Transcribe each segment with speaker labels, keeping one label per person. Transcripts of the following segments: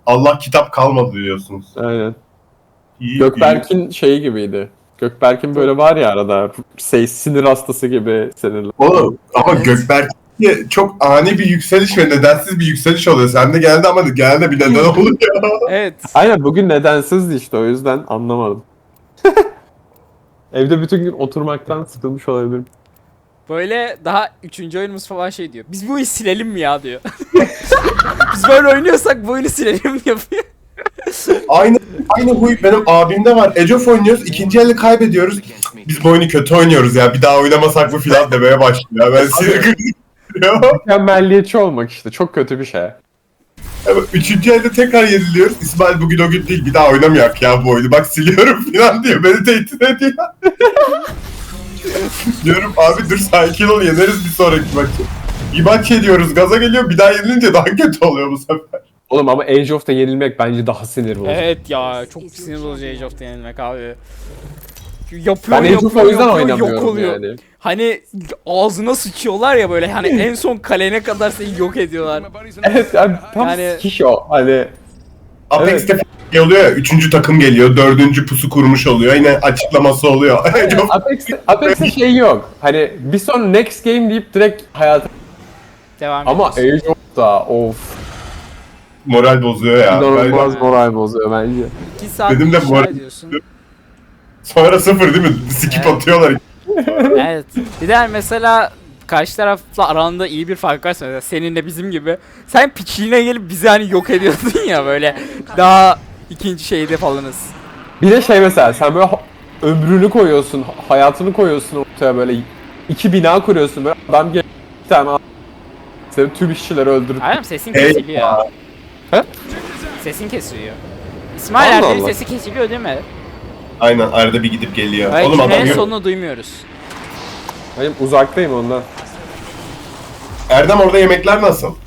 Speaker 1: Allah kitap kalmadı diyorsunuz.
Speaker 2: Aynen.
Speaker 1: İyi,
Speaker 2: Gökberk'in şeyi gibiydi. Gökberk'in böyle var ya arada sinir hastası gibi sinirli.
Speaker 1: Oğlum ama
Speaker 3: Evet.
Speaker 1: Gökberk'te çok ani bir yükseliş ve nedensiz bir yükseliş oluyor. Sende geldi ama geldi bir neden oluyor.
Speaker 3: Evet.
Speaker 2: Aynen bugün nedensizdi işte o yüzden anlamadım. Evde bütün gün oturmaktan sıkılmış olabilirim.
Speaker 3: Böyle daha 3. oyunumuz falan şey diyor. Biz bu oyunu silelim mi ya diyor. Biz böyle oynuyorsak bu oyunu silelim mi yapıyor.
Speaker 1: Aynı huy benim abimde var. Age of oynuyoruz. İkinci elde kaybediyoruz. Biz bu oyunu kötü oynuyoruz ya. Bir daha oynamasak mı filan demeye başlıyor. Ben sinir kırıyorum.
Speaker 2: Mükemmelliyetçi olmak işte çok kötü bir şey.
Speaker 1: Üçüncü elde tekrar yeniliyoruz. İsmail bugün o gün değil. Bir daha oynamayak ya bu oyunu. Bak siliyorum filan diyor. Beni tehdit ediyor. Diyorum abi dur sakin ol yeneriz bir sonraki maçı. Bir maç yeniyoruz gaza geliyor bir daha yenilince daha kötü oluyor bu sefer.
Speaker 2: Oğlum ama Age of'ta yenilmek bence daha sinir bozucu.
Speaker 3: Evet ya çok sinir bozucu Age of yenilmek abi. Yapıyor
Speaker 2: Ben Age of o yüzden
Speaker 3: yok
Speaker 2: oynamıyorum
Speaker 3: oluyor.
Speaker 2: yani.
Speaker 3: Hani ağzına sıçıyorlar ya böyle hani en son kalene kadar seni yok ediyorlar.
Speaker 2: Evet yani tam
Speaker 3: Yani-
Speaker 2: sikiş o hani.
Speaker 1: Apex'te şey oluyor ya, üçüncü takım geliyor, dördüncü pusu kurmuş oluyor, yine açıklaması oluyor. Çok
Speaker 2: Apex'te şey yok. Hani bir son next game deyip direkt hayata...
Speaker 3: Devam
Speaker 2: Ama
Speaker 3: ediyoruz.
Speaker 2: Age of'ta of.
Speaker 1: moral bozuyor ya.
Speaker 2: İnanılmaz
Speaker 3: Ben-
Speaker 2: moral bozuyor bence.
Speaker 3: 2 saat
Speaker 1: Dedim de
Speaker 3: inşa
Speaker 1: moral-
Speaker 3: ediyorsun.
Speaker 1: Sonra sıfır değil mi? Skip
Speaker 3: Evet.
Speaker 1: atıyorlar.
Speaker 3: Evet. Bir de mesela karşı tarafla aranda iyi bir fark varsa mesela seninle bizim gibi sen piçliğine gelip bizi hani yok ediyordun ya böyle daha ikinci şeyde falanız.
Speaker 2: Bir de şey mesela sen böyle ömrünü koyuyorsun, hayatını koyuyorsun ortaya böyle iki bina kuruyorsun böyle adam geliyor bir tane seni tüm işçileri öldürüp
Speaker 3: Aynen sesin
Speaker 1: Hey
Speaker 3: kesiliyor.
Speaker 2: He?
Speaker 3: Sesin kesiliyor. İsmail
Speaker 2: Allah
Speaker 3: Erdem'in
Speaker 2: Allah.
Speaker 3: sesi kesiliyor değil mi?
Speaker 1: Aynen arada bir gidip geliyor.
Speaker 3: Ve
Speaker 1: Oğlum adam
Speaker 3: cümlenin
Speaker 1: yok.
Speaker 3: sonunu duymuyoruz.
Speaker 2: benim uzaktayım ondan.
Speaker 1: Erdem orada yemekler nasıl?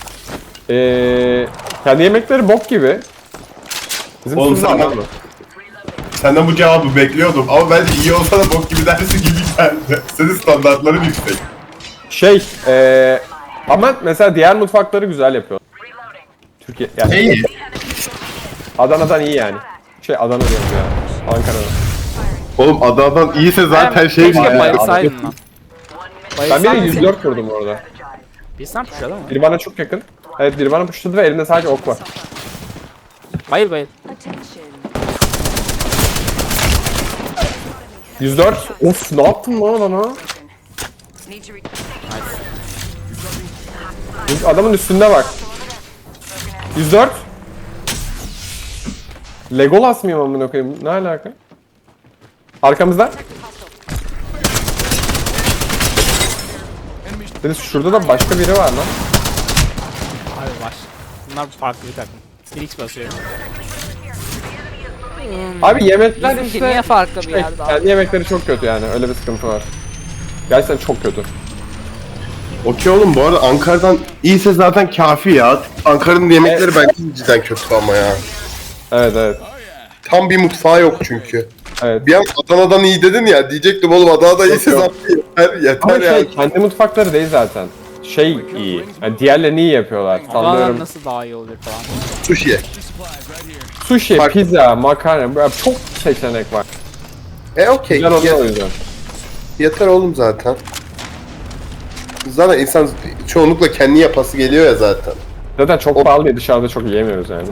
Speaker 2: Kendi yemekleri bok gibi. Bizim
Speaker 1: Oğlum
Speaker 2: sınıfta
Speaker 1: sen-
Speaker 2: var mı?
Speaker 1: Senden bu cevabı bekliyordum ama bence iyi olsa da bok gibi dersi gibi geldi. Senin standartların yüksek.
Speaker 2: Şey, ama mesela diğer mutfakları güzel yapıyor. Türkiye, yani
Speaker 1: İyi.
Speaker 2: Adana'dan iyi yani. Şey Adana diyorum ya, Ankara'dan.
Speaker 1: Oğlum Adana'dan iyiyse zaten şey
Speaker 3: Keşke
Speaker 1: ya.
Speaker 3: bayılsaydın lan.
Speaker 2: Ben
Speaker 3: Bayılsaydın
Speaker 2: biri
Speaker 3: seni-
Speaker 2: 104 vurdum orada.
Speaker 3: Bir sen puşladın mı?
Speaker 2: Biri bana çok yakın. Evet biri bana puşladı ve elinde sadece ok var.
Speaker 3: Bayıl bayıl.
Speaker 2: 104. Of ne yaptın lan adama? Adamın üstünde bak. 104. Legolas mıyım amına koyayım? Ne alaka? Arkamızda. Deniz şurada da başka biri var lan.
Speaker 3: Abi var. Bunlar farklı bir takım. Felix basıyor.
Speaker 2: Abi yemekler
Speaker 3: Bizimki
Speaker 2: işte
Speaker 3: niye farklı bir yerde abi?
Speaker 2: kendi yemekleri çok kötü yani öyle bir sıkıntı var. Gerçekten çok kötü.
Speaker 1: Okey oğlum bu arada Ankara'dan iyiyse zaten kafi ya. Ankara'nın yemekleri bence cidden kötü ama ya.
Speaker 2: Evet evet.
Speaker 1: Tam bir mutfağı yok çünkü.
Speaker 2: Evet.
Speaker 1: Bir an Adana'dan iyi dedin ya diyecektim oğlum Adana'da iyiyse
Speaker 2: yok.
Speaker 1: zaten yeter yeter
Speaker 2: Ama
Speaker 1: ya.
Speaker 2: şey kendi mutfakları değil zaten. Şey iyi. Yani diğerlerini iyi yapıyorlar.
Speaker 3: Adana'dan
Speaker 2: Sallıyorum.
Speaker 3: nasıl daha iyi olur falan.
Speaker 1: Sushi.
Speaker 2: Sushi,
Speaker 1: Fark-
Speaker 2: pizza, makarna böyle çok seçenek var.
Speaker 1: Okey.
Speaker 2: Güzel oluyor o yüzden.
Speaker 1: Yeter oğlum zaten. Zaten insan çoğunlukla kendi yapası geliyor ya zaten.
Speaker 2: Zaten çok pahalı diye dışarıda çok yiyemiyoruz yani.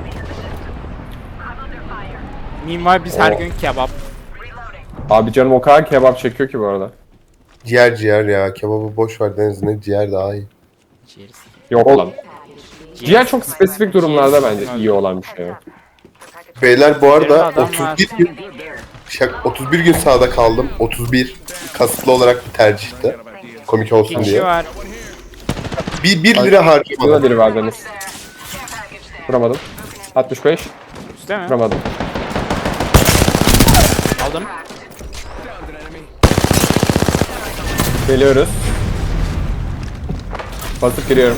Speaker 3: Mimar biz her gün kebap.
Speaker 2: Abi canım o kadar kebap çekiyor ki bu arada.
Speaker 1: Ciğer ya kebabı boş ver Deniz ne ciğer daha iyi.
Speaker 3: Ciğeriz.
Speaker 2: Yok lan. Ciğer çok spesifik durumlarda bence iyi olan bir şey.
Speaker 1: Beyler bu arada
Speaker 3: Adam
Speaker 1: 31 gün 31 gün sahada kaldım. 31 kasıtlı olarak bir tercihti. Komik olsun
Speaker 3: İki
Speaker 1: diye.
Speaker 3: var.
Speaker 1: Bir lira
Speaker 2: Burada
Speaker 1: harcamadım.
Speaker 2: biri var Deniz. Vuramadım. 65.
Speaker 3: Üstte mi?
Speaker 2: Vuramadım.
Speaker 3: Aldım.
Speaker 2: Geliyoruz. Basıp giriyorum.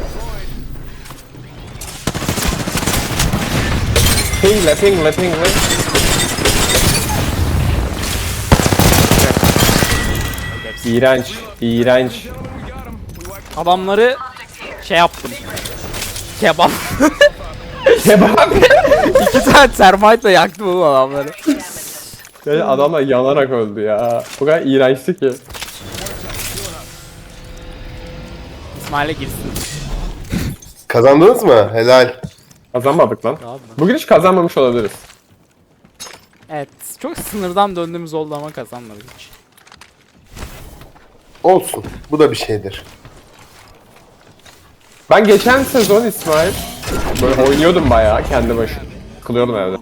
Speaker 2: Pingle pingle pingle. İğrenç, iğrenç.
Speaker 3: Adamları şey yaptım. Kebap.
Speaker 2: Kebap.
Speaker 3: 2 tane termite'la yaktım oğlum adamları.
Speaker 2: Yani adamlar yanarak öldü ya. Bu kadar iğrençti ki.
Speaker 3: İsmail'e girsin.
Speaker 1: Kazandınız mı? Helal.
Speaker 2: Kazanmadık lan.
Speaker 3: Abi.
Speaker 2: Bugün hiç kazanmamış olabiliriz.
Speaker 3: Evet. Çok sınırdan döndüğümüz oldu ama kazanmadık hiç.
Speaker 1: Olsun. Bu da bir şeydir.
Speaker 2: Ben geçen sezon İsmail böyle oynuyordum bayağı kendi başıma. Kılıyordum evde.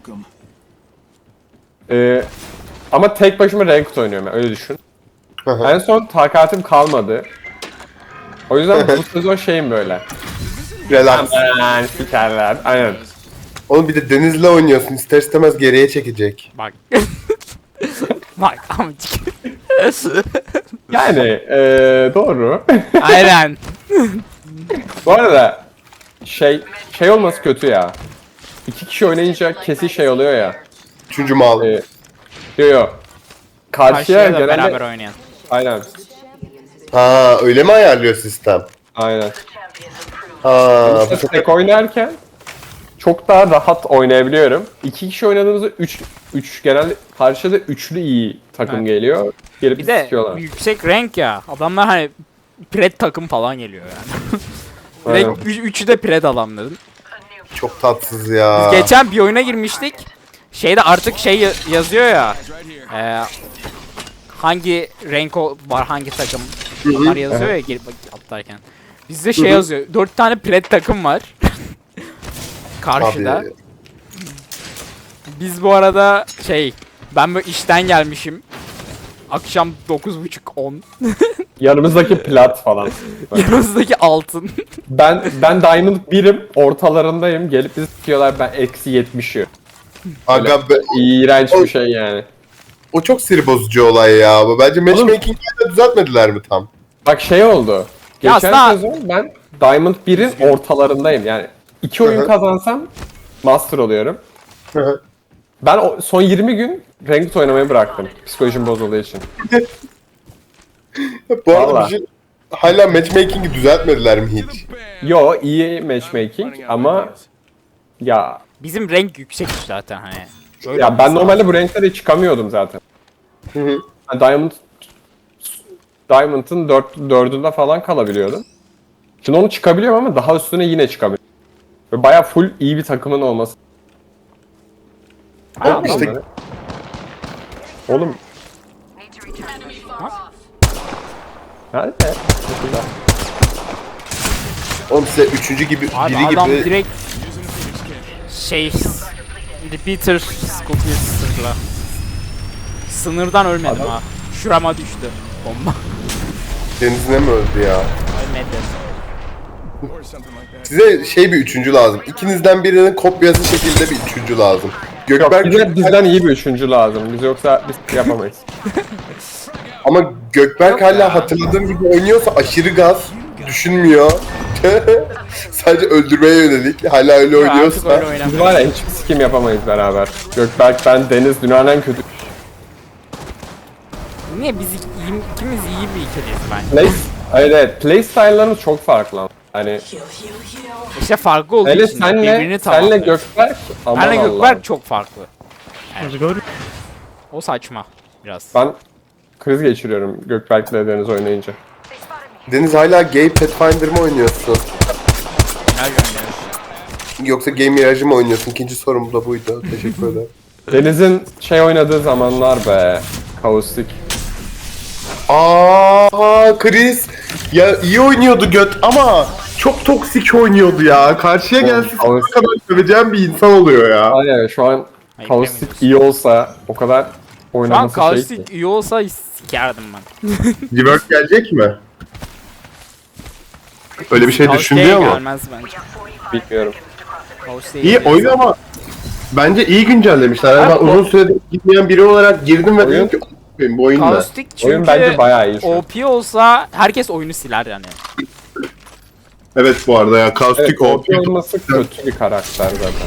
Speaker 2: Ama tek başıma Ranked oynuyorum yani, öyle düşün. En son takatim kalmadı. O yüzden bu sezon şeyim böyle.
Speaker 1: Relax.
Speaker 2: Aman sikerler. Aynen.
Speaker 1: Oğlum bir de Deniz'le oynuyorsun. İster istemez geriye çekecek.
Speaker 3: Bak. Bak amcık.
Speaker 2: Yani doğru.
Speaker 3: Aynen.
Speaker 2: Bu arada şey olması kötü ya. 2 kişi oynayınca kesin şey oluyor ya.
Speaker 1: Üçüncü mal.
Speaker 2: Yo. Karşıya
Speaker 3: Karşıya da
Speaker 2: genelde...
Speaker 3: beraber oynayan.
Speaker 2: Aynen.
Speaker 1: Ha öyle mi ayarlıyor sistem?
Speaker 2: Aynen.
Speaker 1: Ha
Speaker 2: İşte tek oynarken çok daha rahat oynayabiliyorum. 2 kişi oynadığımızda 3 genelde karşıda üçlü iyi takım
Speaker 3: Evet.
Speaker 2: geliyor. Gelip
Speaker 3: Bir de
Speaker 2: sikiyorlar.
Speaker 3: yüksek rank ya. Adamlar hani pred takım falan geliyor yani.
Speaker 2: Aynen.
Speaker 3: Direkt üçü de pred adamların.
Speaker 1: çok tatsız ya.
Speaker 3: Biz geçen bir oyuna girmiştik. Şeyde artık şey yazıyor ya. Hangi renk var, hangi takım onlar yazıyor ya girip atlarken. Bizde şey yazıyor. 4 tane pred takım var. Karşıda.
Speaker 1: Abi,
Speaker 3: Biz bu arada ben böyle işten gelmişim. Akşam 9.30-10.
Speaker 2: Yanımızdaki plat falan.
Speaker 3: Yanımızdaki altın.
Speaker 2: Ben Diamond 1'im, ortalarındayım. Gelip bizi sikiyorlar, ben eksi 70'i.
Speaker 1: aga be,
Speaker 2: İğrenç bir şey yani.
Speaker 1: o çok sinir bozucu olay ya. Bence matchmaking'de düzeltmediler mi tam?
Speaker 2: Bak şey oldu.
Speaker 3: Ya
Speaker 2: Geçen
Speaker 3: aslında-
Speaker 2: sezon ben Diamond 1'in ortalarındayım. Yani 2 oyun
Speaker 1: Hı hı.
Speaker 2: kazansam Master oluyorum. Ben son 20 gün Ranked oynamayı bıraktım. Psikolojim bozulduğu için.
Speaker 1: Bu arada
Speaker 2: Vallahi.
Speaker 1: bir şey... Hala matchmaking'i düzeltmediler mi hiç?
Speaker 2: Yo, iyi matchmaking ama ya
Speaker 3: Bizim renk yüksek zaten hani. Öyle
Speaker 2: ya ben
Speaker 3: olması
Speaker 2: normalde bu renklere çıkamıyordum zaten.
Speaker 1: Hı hı.
Speaker 2: Ben Diamond'ın 4'ünde falan kalabiliyordum. Şimdi onu çıkabiliyorum ama daha üstüne yine çıkamıyorum. Ve baya full iyi bir takımın olması.
Speaker 1: Oğlum işte
Speaker 2: Adamları- Oğlum nerede? Şurada.
Speaker 1: oğlum size üçüncü gibi
Speaker 3: Abi
Speaker 1: biri
Speaker 3: adam
Speaker 1: gibi
Speaker 3: direkt repeater scoop'la sınırdan ölmedim
Speaker 2: Adam-
Speaker 3: ha. Şurama düştü bomba.
Speaker 1: denizine mi öldü ya?
Speaker 3: Ölmedi.
Speaker 1: Size bir üçüncü lazım. İkinizden birinin kopyası şekilde bir üçüncü lazım.
Speaker 2: Yok,
Speaker 1: Gökberk
Speaker 2: bizden iyi bir üçüncü lazım. Biz yoksa biz yapamayız.
Speaker 1: ama Gökberk
Speaker 3: Yok
Speaker 1: hala
Speaker 3: ya.
Speaker 1: hatırladığım gibi oynuyorsa aşırı gaz, düşünmüyor. Sadece öldürmeye yönelik. Hala öyle
Speaker 3: Artık
Speaker 1: oynuyorsa.
Speaker 3: öyle
Speaker 2: Biz
Speaker 3: oynamıyor.
Speaker 2: var ya hiçbir sikim yapamayız beraber. Gökberk, ben, Deniz dünyanın en kötü.
Speaker 3: Niye biz ikimiz iyi bir ikiliyiz bence.
Speaker 2: Play, hayır evet, play style'larımız çok farklı. Hani
Speaker 3: İşte farklı olduğu
Speaker 2: hele
Speaker 3: için birbirini
Speaker 2: senle
Speaker 3: tamamlıyor.
Speaker 2: Gökberk, aman
Speaker 3: Benle
Speaker 2: Allah'ım.
Speaker 3: Gökberk çok farklı. Yani, o saçma biraz.
Speaker 2: Ben kriz geçiriyorum Gökberk'le Deniz oynayınca.
Speaker 1: Deniz hala Gay Pathfinder mı oynuyorsun?
Speaker 3: Her gönderiyor.
Speaker 1: Yoksa Game Mirage'ı mı oynuyorsun? İkinci sorum da buydu. Teşekkür ederim.
Speaker 2: Deniz'in oynadığı zamanlar be. Kaustik.
Speaker 1: Chris. Ya iyi oynuyordu göt ama çok toksik oynuyordu ya. Karşıya gelse
Speaker 2: Oğlum,
Speaker 1: ne kadar söveceğim bir insan oluyor ya.
Speaker 2: Aynen şu an
Speaker 3: Hayır,
Speaker 2: Kaustik iyi olsa o kadar
Speaker 3: Şu an
Speaker 2: oynaması şey ki.
Speaker 3: Kaustik iyi olsa sikerdim ben.
Speaker 1: Rework gelecek mi? Öyle bir şey
Speaker 3: Kaustik'e
Speaker 1: düşünüyor mu?
Speaker 3: gelmez bence.
Speaker 2: Bilmiyorum.
Speaker 3: Kaustik'e
Speaker 1: İyi
Speaker 3: gelmez.
Speaker 1: oyun ama bence iyi güncellemişler. Yani ben
Speaker 3: Abi,
Speaker 1: uzun süredir gitmeyen biri olarak girdim ve
Speaker 2: Oyun-
Speaker 1: dedim ki "Benim bu oyun ne?"
Speaker 3: Kaustik çünkü
Speaker 2: Oyun bence bayağı iyi şu an.
Speaker 3: OP olsa herkes oyunu siler yani.
Speaker 1: Evet bu arada ya Kaustik
Speaker 2: Evet,
Speaker 1: OP.
Speaker 2: OP olması kötü bir karakter zaten.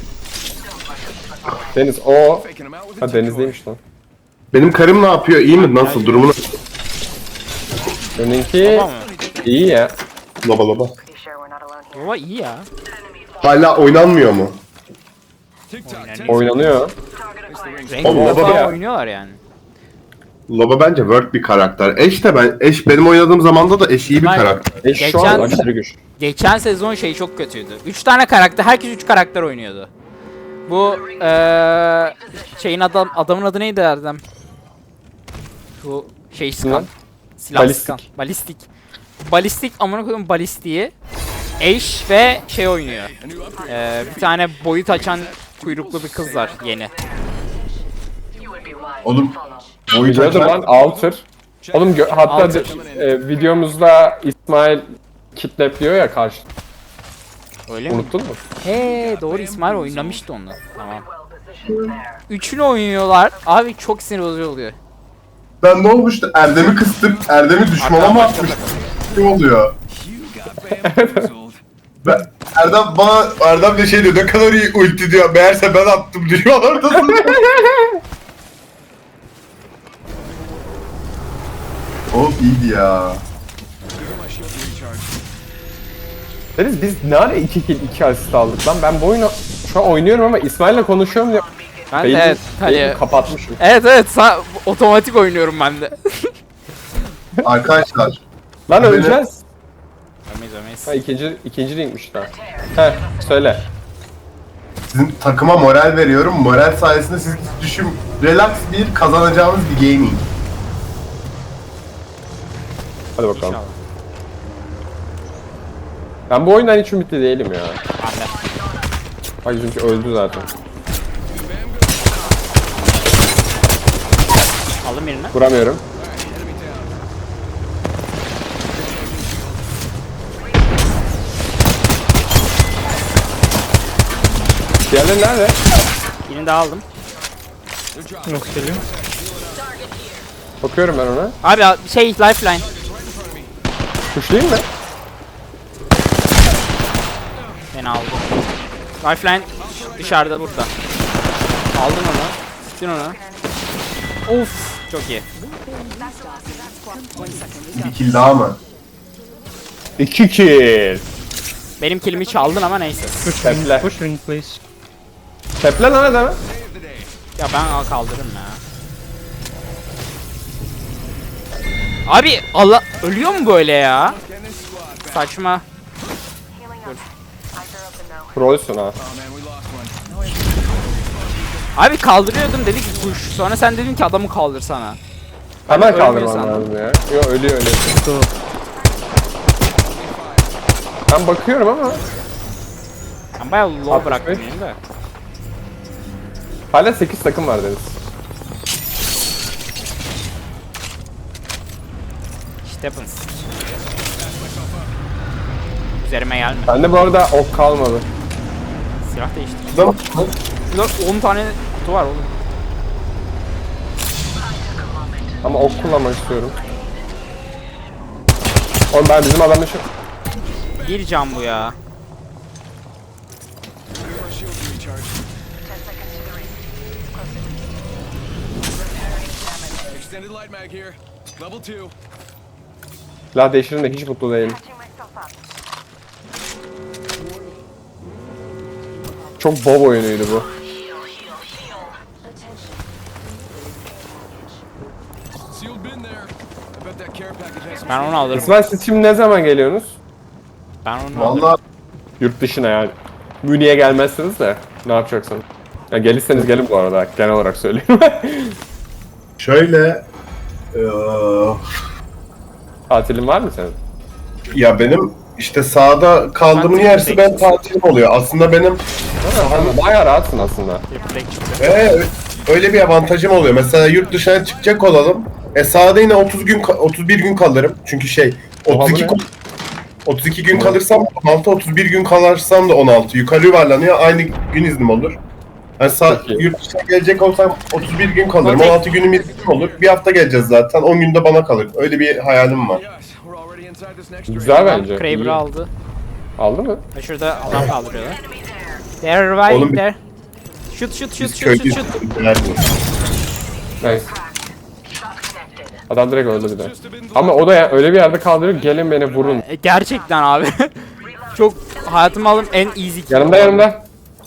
Speaker 2: Deniz o... Ha Deniz değilmiş lan.
Speaker 1: Benim karım ne yapıyor? İyi mi? Nasıl? Durumu nasıl?
Speaker 2: Seninki
Speaker 3: Tamam mı?
Speaker 2: iyi ya.
Speaker 1: Laba laba.
Speaker 3: Baba iyi ya.
Speaker 1: Hala oynanmıyor mu?
Speaker 2: Oynanıyor.
Speaker 3: Renkli
Speaker 1: Oğlum,
Speaker 3: defa
Speaker 1: baba ya.
Speaker 3: oynuyorlar yani.
Speaker 1: Loba bence work bir karakter. Eş benim oynadığım zamanda da Eş iyi bir
Speaker 3: Ben-
Speaker 1: karakter.
Speaker 2: Şu an aşırı güç.
Speaker 3: Geçen sezon şey çok kötüydü. 3 tane karakter, herkes 3 karakter oynuyordu. Bu şeyin adamın adı neydi Erdem? Bu şey sıkan.
Speaker 2: Lan.
Speaker 3: Silah
Speaker 2: Balistik.
Speaker 3: sıkan. Balistik. Balistik amına koyduğum balistiği Ash ve şey oynuyor. Bir tane boyut açan kuyruklu bir kız var yeni.
Speaker 1: Oğlum boyut
Speaker 2: Biliyordum lan
Speaker 1: açar.
Speaker 2: Alter. Oğlum hatta
Speaker 3: Alter.
Speaker 2: videomuzda İsmail kitlepliyor ya karşı.
Speaker 3: Öyle mi?
Speaker 2: Unuttun mu?
Speaker 3: He doğru, İsmail oynamıştı onu. Tamam. Üçünü oynuyorlar. Abi çok sinir bozucu oluyor.
Speaker 1: Ben ne olmuştu? Erdem'i kıstım. Erdem'i düşmana mı atmış? Ne oluyor? Ben, Erdem de şey diyor, ne kadar iyi ulti diyor. Meğerse ben attım diyor orada. Oğlum iyiydi ya.
Speaker 2: Deniz biz ne ara 2 kill 2 asist aldık lan? Ben bu oyunu şu an oynuyorum ama İsmail'le konuşuyorum ya.
Speaker 3: Ben de evet hani
Speaker 2: Kapatmışım.
Speaker 3: evet otomatik oynuyorum ben de.
Speaker 1: Arkadaşlar.
Speaker 2: Lan öleceğiz.
Speaker 3: Ömeyiz.
Speaker 2: Ha ikinci linkmiş daha. Heh söyle.
Speaker 1: Sizin takıma moral veriyorum. Moral sayesinde siz düşün, relax bir kazanacağımız bir gaming.
Speaker 2: Hadi bakalım.
Speaker 3: İnşallah.
Speaker 2: Ben bu oyundan hiç ümitli değilim ya.
Speaker 3: Ben de.
Speaker 2: Bak çünkü öldü zaten.
Speaker 3: Aldım birini.
Speaker 2: Vuramıyorum. Diğerleri nerede?
Speaker 3: Birini daha aldım.
Speaker 2: Bakıyorum ben ona.
Speaker 3: Abi şey lifeline.
Speaker 2: Kuşlayayım mı?
Speaker 3: Beni aldı. Lifeline dışarıda burada. Aldın onu. Sıktın onu. Of çok iyi.
Speaker 1: Bir kill daha mı?
Speaker 2: 2 kill.
Speaker 3: Benim kilimi çaldın ama neyse.
Speaker 2: Teple.
Speaker 4: Push ring, please.
Speaker 2: Teple lan adamı.
Speaker 3: Ya ben kaldırırım ya. Abi Allah ölüyor mu böyle ya? Saçma.
Speaker 2: Trollsün ha.
Speaker 3: Abi kaldırıyordum dedi ki kuş. Sonra sen dedin ki adamı kaldırsana.
Speaker 2: Hemen
Speaker 3: ölmüyor
Speaker 2: kaldırmam
Speaker 3: sandım.
Speaker 2: lazım ya. Yo ölüyor.
Speaker 4: Go.
Speaker 2: Ben bakıyorum ama
Speaker 3: Ben bayağı low
Speaker 2: 65.
Speaker 3: bıraktım yine de.
Speaker 2: hala 8 takım var Deniz.
Speaker 3: İşte happens. Üzerime gelme.
Speaker 2: Bende bu arada ok kalmadı.
Speaker 3: Silah değiştir.
Speaker 1: Adam,
Speaker 3: Şurada 10 tane kutu var oğlum.
Speaker 2: Ama ok kullanmak istiyorum. Oğlum ben bizim adamla şu...
Speaker 3: Bir can bu ya.
Speaker 5: Extended light mag here. Level 2.
Speaker 2: Silah değiştirin de hiç mutlu değilim. Çok bob oyunuydu bu.
Speaker 5: Sealed bin there. I bet that care package has some.
Speaker 3: Ben onu alırım.
Speaker 2: İsmail siz şimdi ne zaman geliyorsunuz?
Speaker 3: Ben onu alırım.
Speaker 1: valla
Speaker 2: Yurt dışına yani. Münih'e gelmezsiniz de ne yapacaksınız? Ya gelirseniz gelin bu arada genel olarak söyleyeyim.
Speaker 1: şöyle
Speaker 2: Tatilin var mı senin?
Speaker 1: ya benim işte sahada kaldığımın
Speaker 3: Ben
Speaker 1: yersi ben
Speaker 3: tek-
Speaker 1: tatilim oluyor. Aslında benim
Speaker 2: Bayağı rahatsın aslında.
Speaker 3: Bir break çıktı.
Speaker 1: öyle bir avantajım oluyor. Mesela yurt dışına çıkacak olalım. Sahada yine 31 gün kalırım. Çünkü şey
Speaker 2: Oha,
Speaker 1: 32
Speaker 2: bu ne?
Speaker 1: 32 gün kalırsam 16, 31 gün kalırsam da 16. Yukarı yuvarlanıyor. Aynı gün iznim olur. Yani
Speaker 2: Çok iyi.
Speaker 1: yurt dışına gelecek olsam 31 gün kalırım.
Speaker 3: Okey.
Speaker 1: 16 günüm iznim olur. Bir hafta geleceğiz zaten. 10 günde bana kalır. Öyle bir hayalim var.
Speaker 5: Yes, we're already inside this next
Speaker 2: Güzel
Speaker 5: ring.
Speaker 2: bence.
Speaker 3: Kraber'ı
Speaker 2: iyi.
Speaker 3: aldı.
Speaker 2: Aldı mı?
Speaker 3: Ve şurada adam kaldırıyorlar. They're reviving
Speaker 1: Oğlum,
Speaker 3: there. Shoot shoot shoot
Speaker 1: Biz
Speaker 3: shoot shoot
Speaker 1: köylüyüz.
Speaker 3: shoot.
Speaker 2: Nice. Adam direkt öldü bir de. Ama o da ya, öyle bir yerde kaldırıyor gelin beni vurun.
Speaker 3: Gerçekten abi. Çok hayatımı aldığım en easy kill.
Speaker 2: Yanımda yanımda.
Speaker 5: Bam!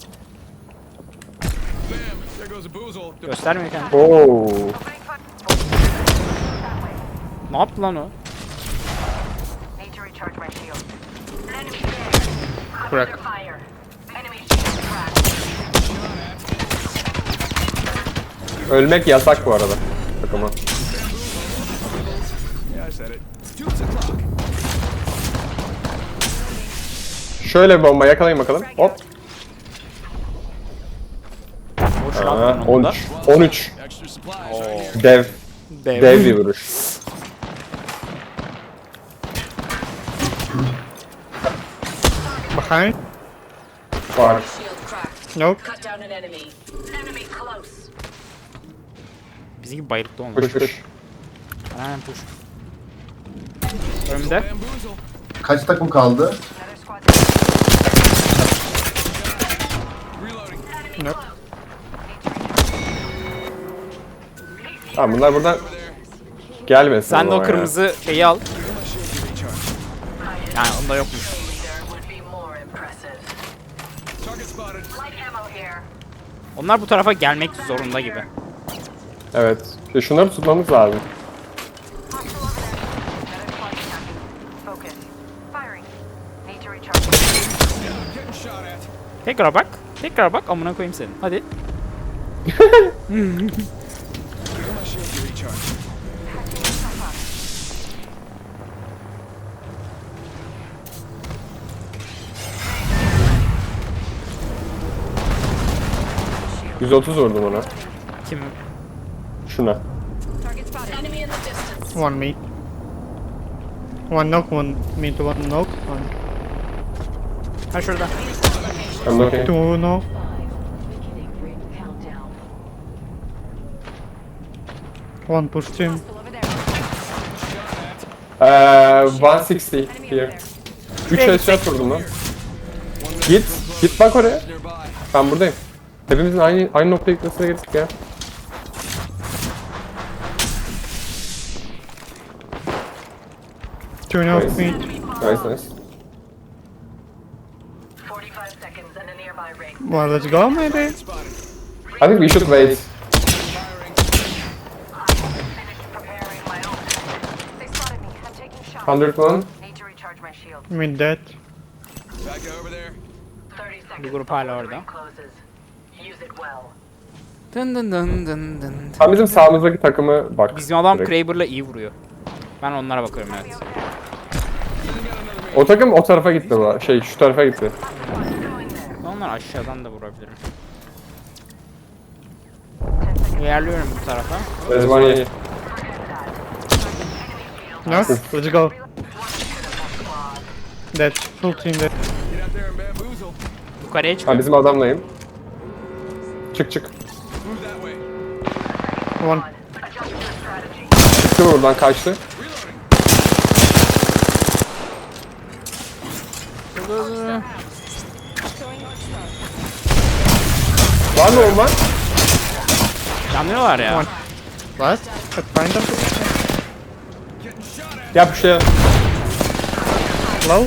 Speaker 5: There goes a boozle.
Speaker 3: Göstermiyor kendini.
Speaker 2: Oo.
Speaker 3: Ne yaptı lan o?
Speaker 4: Need to recharge my shield. Enemy there.
Speaker 3: Bırak.
Speaker 4: Under fire. Enemy shield cracked.
Speaker 2: Ölmek yasak bu arada. Takıma.
Speaker 5: Yeah, I said it. 2 o'clock.
Speaker 2: Şöyle bir bomba yakalayın bakalım. Hop.
Speaker 3: Boş
Speaker 2: Aa,
Speaker 3: lan onun da.
Speaker 2: 13. 13.
Speaker 5: Extra supplies right here.
Speaker 2: Dev.
Speaker 3: Dev.
Speaker 2: Dev bir vuruş.
Speaker 6: Behind?
Speaker 2: Var.
Speaker 4: Shield cracked.
Speaker 6: Nope.
Speaker 4: Cut down an enemy. Enemy close.
Speaker 3: Bizimki bayılıktı olmuş.
Speaker 2: Push push.
Speaker 3: Aynen push. Önümde.
Speaker 5: Bamboozle.
Speaker 1: Kaç takım kaldı?
Speaker 4: Another squad.
Speaker 5: Reloading.
Speaker 6: Nope.
Speaker 2: Tamam bunlar buradan gelmesin.
Speaker 3: Sen de
Speaker 2: ama
Speaker 3: o
Speaker 2: ya.
Speaker 3: kırmızı şeyi al. Yani onda yokmuş.
Speaker 4: Leader would be more impressive.
Speaker 5: Target spotted.
Speaker 4: Light ammo here.
Speaker 3: Onlar bu tarafa gelmek zorunda gibi.
Speaker 2: Evet. Şunları tutmamız lazım.
Speaker 4: Hostile over there. Another squad attacking. Focus. Firing. Need to recharge my shield.
Speaker 5: Getting shot at.
Speaker 3: Tekrar bak. Tekrar bak amına koyayım senin. Hadi.
Speaker 5: Give my shield to recharge.
Speaker 2: Hı. 130 vurdum ona.
Speaker 3: Kim?
Speaker 2: Şuna.
Speaker 4: Target spotted. Enemy in the distance.
Speaker 6: One me. One knock, one me to one knock. One.
Speaker 3: Ha şurada.
Speaker 2: I'm looking.
Speaker 6: Two knock. One pushed him.
Speaker 4: Hostile over there.
Speaker 2: 160
Speaker 4: Enemy over
Speaker 2: here.
Speaker 4: there.
Speaker 2: 3 headshot vurdum lan. Git. Git bak oraya.
Speaker 5: Nearby.
Speaker 2: Ben buradayım. Hepimizin aynı noktaya gitmesine gerek ya.
Speaker 6: Two knock
Speaker 2: Nice.
Speaker 6: me.
Speaker 2: Nice nice.
Speaker 4: 45 seconds and a nearby ring.
Speaker 6: Well, let's go maybe.
Speaker 5: Spotted.
Speaker 2: I think we should wait.
Speaker 5: Firing.
Speaker 4: Finished preparing my own. They spotted me. I'm taking shots.
Speaker 2: 101.
Speaker 4: Need to recharge my shield.
Speaker 6: Mid dead.
Speaker 5: Back over there.
Speaker 4: 30 seconds.
Speaker 3: Bir grup hala
Speaker 4: before the
Speaker 3: orada.
Speaker 4: ring closes. Use it well.
Speaker 3: Dın dın dın dın dın.
Speaker 2: Tam bizim sağımızdaki takımı bak.
Speaker 3: Bizim adam
Speaker 2: direkt.
Speaker 3: Kraber'la iyi vuruyor. Ben onlara bakıyorum evet.
Speaker 2: O takım o tarafa gitti bu. Şey şu tarafa gitti.
Speaker 3: Onlar aşağıdan da vurabilirim. İlerliyorum bu tarafa.
Speaker 2: There's one here.
Speaker 6: Knock. Let's go. Dead. Full team dead.
Speaker 5: Get out there and bamboozle.
Speaker 3: Yukarıya
Speaker 2: Ha
Speaker 3: çıkıyorum.
Speaker 2: bizim adamlayım. Çık çık.
Speaker 5: Move that way.
Speaker 6: One.
Speaker 4: Adjust your strategy.
Speaker 2: Çıktı buradan kaçtı. Var mı olman?
Speaker 3: Yanıyorlar ya.
Speaker 6: Last. Find them.
Speaker 2: Yap bir şey.
Speaker 6: Low.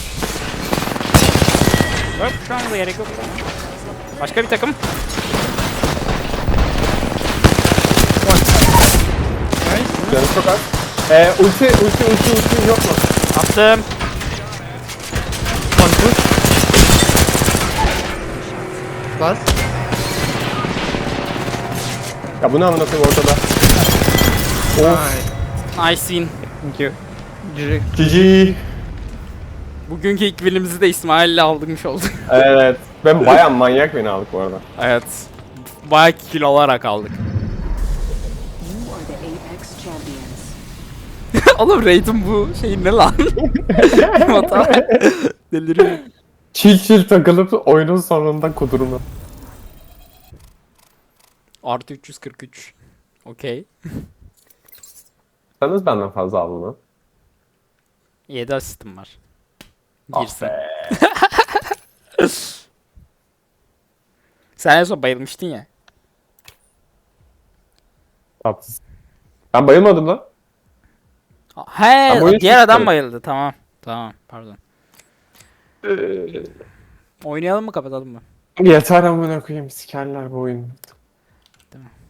Speaker 3: Yok şu anda gerek yok. Başka bir takım.
Speaker 6: Nice.
Speaker 2: Canı çok az. Ulti yok mu?
Speaker 3: Attım.
Speaker 6: One push. Last.
Speaker 2: Ya bu ne amına koyayım ortada?
Speaker 6: Nice.
Speaker 3: Nice win.
Speaker 6: Thank you. GG.
Speaker 2: GG.
Speaker 3: Bugünkü ilk winimizi de İsmail'le aldırmış olduk.
Speaker 2: Evet. Ben bayağı manyak beni aldık bu arada.
Speaker 3: Evet. Bayağı kill alarak aldık.
Speaker 7: You are the Apex champions.
Speaker 3: Oğlum Raid'in bu şey ne lan? Hata. Deliriyor.
Speaker 2: Çil takılıp oyunun sonunda kudurma.
Speaker 3: Artı 343. Okey.
Speaker 2: Sen nasıl benden fazla aldın lan?
Speaker 3: 7 asistim var.
Speaker 2: Ah
Speaker 3: Girsin.
Speaker 2: be.
Speaker 3: Sen en son bayılmıştın ya.
Speaker 2: Tatsız. Ben bayılmadım lan.
Speaker 3: He,
Speaker 2: Ben bu oyunu
Speaker 3: diğer adam
Speaker 2: çıktım.
Speaker 3: bayıldı. Tamam. Tamam, pardon. Oynayalım mı kapatalım mı?
Speaker 2: Yeter amına koyayım sikerler bu oyunu.
Speaker 3: Değil mi?